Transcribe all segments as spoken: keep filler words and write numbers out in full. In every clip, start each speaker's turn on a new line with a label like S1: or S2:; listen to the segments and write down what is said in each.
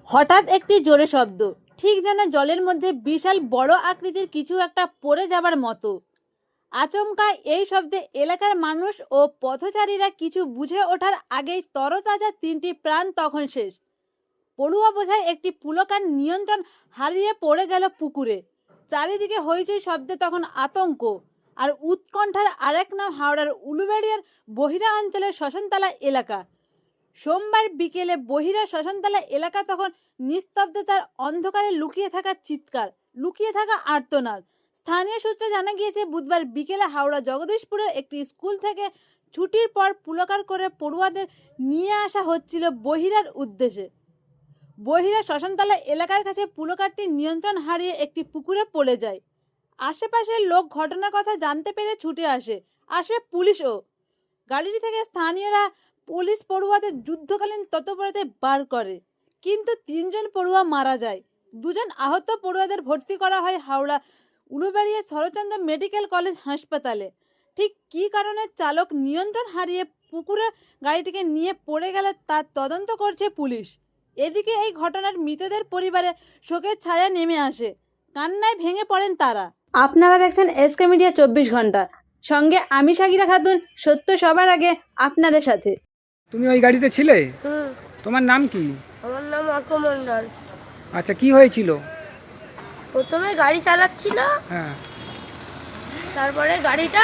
S1: হঠাৎ একটি জোরে শব্দ, ঠিক যেন জলের মধ্যে বিশাল বড় আকৃতির কিছু একটা পড়ে যাবার মতো। আচমকা এই শব্দে এলাকার মানুষ ও পথচারীরা কিছু বুঝে ওঠার আগেই তরতাজা তিনটি প্রাণ তখন শেষ। পড়ুয়া বোঝায় একটি পুলকার নিয়ন্ত্রণ হারিয়ে পড়ে গেল পুকুরে। চারিদিকে হইচই শব্দে তখন আতঙ্ক আর উৎকণ্ঠার আরেক নাম হাওড়ার উলুবেড়িয়ার বহিরা অঞ্চলের শ্মশানতলা এলাকা। সোমবার বিকেলে বহিরা শ্মশানতলা এলাকা তখন নিস্তব্ধতার অন্ধকারে লুকিয়ে থাকা চিৎকার, লুকিয়ে থাকা আর্তনাদ। স্থানীয় সূত্রে জানা গিয়েছে, বুধবার বিকেলে হাওড়া জগদীশপুরের একটি স্কুল থেকে ছুটির পর পুলকার করে পড়ুয়াদের নিয়ে আসা হচ্ছিল বহিরার উদ্দেশ্যে। বহিরা শ্মশানতলা এলাকার কাছে পুলকারটি নিয়ন্ত্রণ হারিয়ে একটি পুকুরে পড়ে যায়। আশেপাশের লোক ঘটনার কথা জানতে পেরে ছুটে আসে আসে পুলিশও। গাড়িটি থেকে স্থানীয়রা পুলিশ পড়ুয়াদের যুদ্ধকালীন তৎপরতায় বার করে, কিন্তু তিনজন পড়ুয়া মারা যায়। দুজন আহত পড়ুয়াদের ভর্তি করা হয় হাওড়া উলুবেড়িয়া শরৎচন্দ্র মেডিকেল কলেজ হাসপাতালে। ঠিক কী কারণে চালক নিয়ন্ত্রণ হারিয়ে পুকুরে গাড়িটিকে নিয়ে পড়ে গেল তার তদন্ত করছে পুলিশ। এদিকে এই ঘটনার মৃতদের পরিবারে শোকের ছায়া নেমে আসে, কান্নায় ভেঙে পড়েন তারা। আপনারা দেখছেন এসকে মিডিয়া চব্বিশ ঘন্টা, সঙ্গে আমি সাকিরা খাতুন, সত্য সবার আগে আপনাদের সাথে।
S2: তুমি ওই গাড়িতে ছিলে?
S3: হুম।
S2: তোমার নাম কি?
S3: আমার নাম অর্ক মণ্ডল।
S2: আচ্ছা, কি হয়েছিল?
S3: প্রথমে গাড়ি চালাচ্ছিল,
S2: হ্যাঁ,
S3: তারপরে গাড়িটা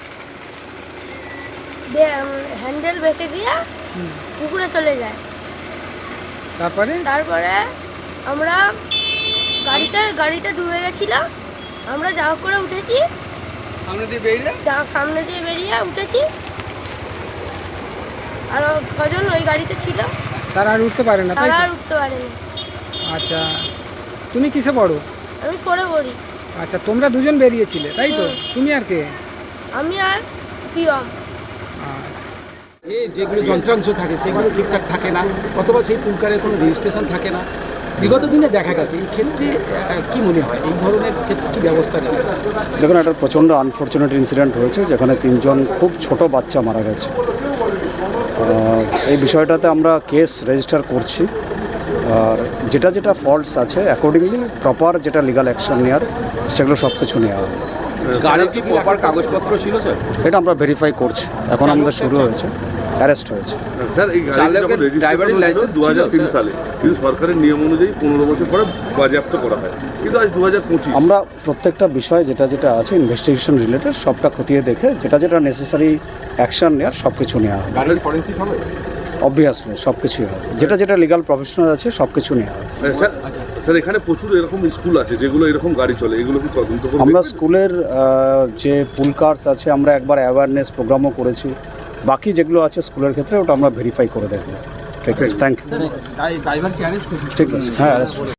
S3: হ্যান্ডেল বেঁকে গিয়ে
S2: হুম,
S3: পুকুরে চলে যায়।
S2: তারপরে
S3: তারপরে আমরা গাড়িটা গাড়িটা ডুবে গেছিল, আমরা যা হোক করে উঠেছি,
S2: সামনে দিয়ে বেরিয়ে
S3: যা সামনে দিয়ে বেরিয়ে উঠেছি। আর কজন ওই গাড়িতে ছিল,
S2: তারা আর উঠতে পারে না, তাই
S3: তারা
S2: তো?
S3: আর উঠতে পারেনি।
S2: আচ্ছা, তুমি কিসে পড়ো?
S3: আমি পড়ে পড়ি।
S2: আচ্ছা, তোমরা দুজন বেরিয়েছিলে, তাই তো?
S3: হুম।
S2: তুমি আর কে?
S3: আমি আর পিয়ম।
S2: আচ্ছা,
S4: এই যেগুলো যন্ত্রাংশ থাকে সেগুলো ঠিকঠাক থাকে না, অথবা সেই পুলকারের কোনো রেজিস্ট্রেশন থাকে না। বিগত দিনে দেখা গেছে এই ক্ষেত্রে আহ, কি মনে হয় এই ধরনের ক্ষেত্রে কী ব্যবস্থা নেবে?
S5: দেখুন, একটা প্রচণ্ড আনফর্চুনেট ইনসিডেন্ট হয়েছে যেখানে তিনজন খুব ছোট বাচ্চা মারা গেছে। আহ, এই বিষয়টাতে আমরা কেস রেজিস্টার করছি, আর যেটা যেটা ফল্টস আছে অ্যাকর্ডিংলি প্রপার যেটা লিগাল অ্যাকশন নেওয়ার সেগুলো সব কিছু নেওয়া হবে।
S4: গাড়ির কি প্রপার কাগজপত্র ছিল স্যার?
S5: এটা আমরা ভেরিফাই করছি, এখন আমাদের শুরু হয়েছে, অ্যারেস্ট হয়েছে।
S6: স্যার, এই গাড়ি যখন রেজিস্ট্রেশন লাইসেন্স দু হাজার তিন সালে, কিন্তু সরকারের নিয়ম অনুযায়ী পনেরো বছর পরে বাজেয়াপ্ত করা হয়, কিন্তু আজ দু হাজার পঁচিশ।
S5: আমরা প্রত্যেকটা বিষয় যেটা যেটা আছে ইনভেস্টিগেশন রিলেটেড সবটা খতিয়ে দেখে যেটা যেটা নেসেসারি অ্যাকশন নেওয়ার সব কিছু নেওয়া হবে।
S6: গাড়ির ফরেন্সিক হবে?
S5: অবভিয়াসলি সব কিছুই হবে, যেটা যেটা লিগাল প্রফেশনাল আছে সব কিছু নেওয়া হবে।
S6: স্যার স্যার এখানে প্রচুর এরকম স্কুল আছে যেগুলো এরকম গাড়ি চলে, এগুলো কি তদন্ত করবে?
S5: আমরা স্কুলের আহ, যে পুল কার্স আছে আমরা একবার অ্যাওয়ারনেস প্রোগ্রামও করেছি, বাকি যেগুলো আছে স্কুলের ক্ষেত্রে ওটা আমরা ভেরিফাই করে দেখব। ঠিক আছে, থ্যাংক ইউ।
S4: ড্রাইভার কি অ্যারেস্ট?
S5: ঠিক আছে, হ্যাঁ অ্যারেস্ট।